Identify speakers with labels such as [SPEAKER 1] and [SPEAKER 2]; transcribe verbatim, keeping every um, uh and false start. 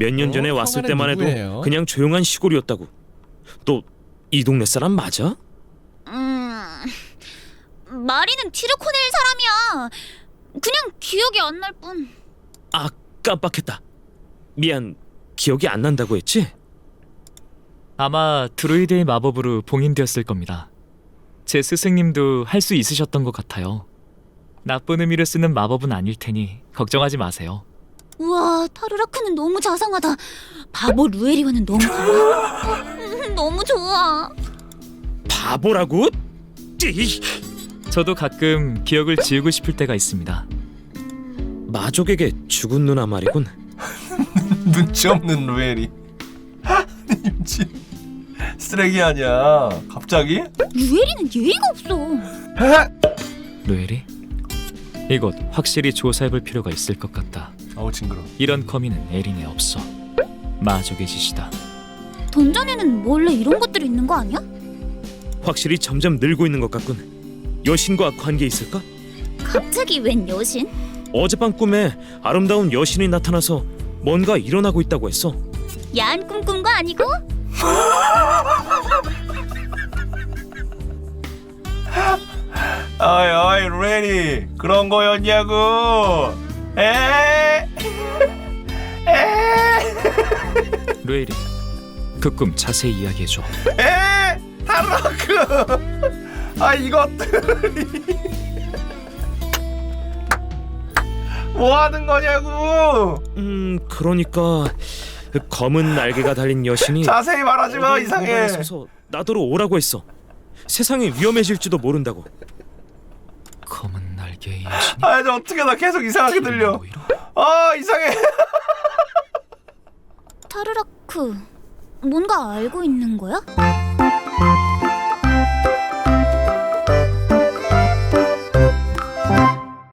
[SPEAKER 1] 몇 년 전에
[SPEAKER 2] 어?
[SPEAKER 1] 왔을
[SPEAKER 2] 성아는
[SPEAKER 1] 때만 해도
[SPEAKER 2] 누구예요?
[SPEAKER 1] 그냥 조용한 시골이었다고. 또 이 동네 사람 맞아?
[SPEAKER 3] 음... 마리는 티르코넬 사람이야. 그냥 기억이 안 날 뿐.
[SPEAKER 1] 아, 깜빡했다. 미안, 기억이 안 난다고 했지?
[SPEAKER 4] 아마 드루이드의 마법으로 봉인되었을 겁니다. 제 스승님도 할 수 있으셨던 것 같아요. 나쁜 의미로 쓰는 마법은 아닐 테니 걱정하지 마세요.
[SPEAKER 3] 우와, 타르라크는 너무 자상하다. 바보 루에리와는 너무 달라. 음, 너무 좋아.
[SPEAKER 1] 바보라고? 띠!
[SPEAKER 4] 저도 가끔 기억을 지우고 싶을 때가 있습니다.
[SPEAKER 1] 마족에게 죽은 누나 말이군.
[SPEAKER 2] 눈치 없는 루엘이. 임지 쓰레기 아니야. 갑자기?
[SPEAKER 3] 루에리는 예의가 없어.
[SPEAKER 4] 루엘이? 이곳 확실히 조사해볼 필요가 있을 것 같다.
[SPEAKER 2] 아우 징그러.
[SPEAKER 4] 이런 거미는 에린에 없어. 마족의 짓이다.
[SPEAKER 3] 던전에는 원래 이런 것들이 있는 거 아니야?
[SPEAKER 1] 확실히 점점 늘고 있는 것 같군. 여신과 관계 있을까?
[SPEAKER 3] 갑자기 웬 여신?
[SPEAKER 1] 어젯밤 꿈에 아름다운 여신이 나타나서 뭔가 일어나고 있다고 했어.
[SPEAKER 3] 야한 꿈 꾼 거 아니고?
[SPEAKER 2] 어이 어이 루엘이 그런 거였냐고. 에? 에?
[SPEAKER 4] 루엘이, 그 꿈 자세히 이야기해줘.
[SPEAKER 2] 에? 타르라크. 아 이것들이 뭐 하는 거냐고.
[SPEAKER 1] 음, 그러니까 그 검은 날개가 달린 여신이
[SPEAKER 2] 자세히 말하지 마.
[SPEAKER 1] 어두운
[SPEAKER 2] 이상해.
[SPEAKER 1] 공간에 서서 나더러 오라고 했어. 세상이 위험해질지도 모른다고.
[SPEAKER 4] 검은 날개의 여신이
[SPEAKER 2] 아 이제 어떻게 나 계속 이상하게 들려.
[SPEAKER 4] 오히려?
[SPEAKER 2] 아 이상해.
[SPEAKER 3] 타르라크, 뭔가 알고 있는 거야?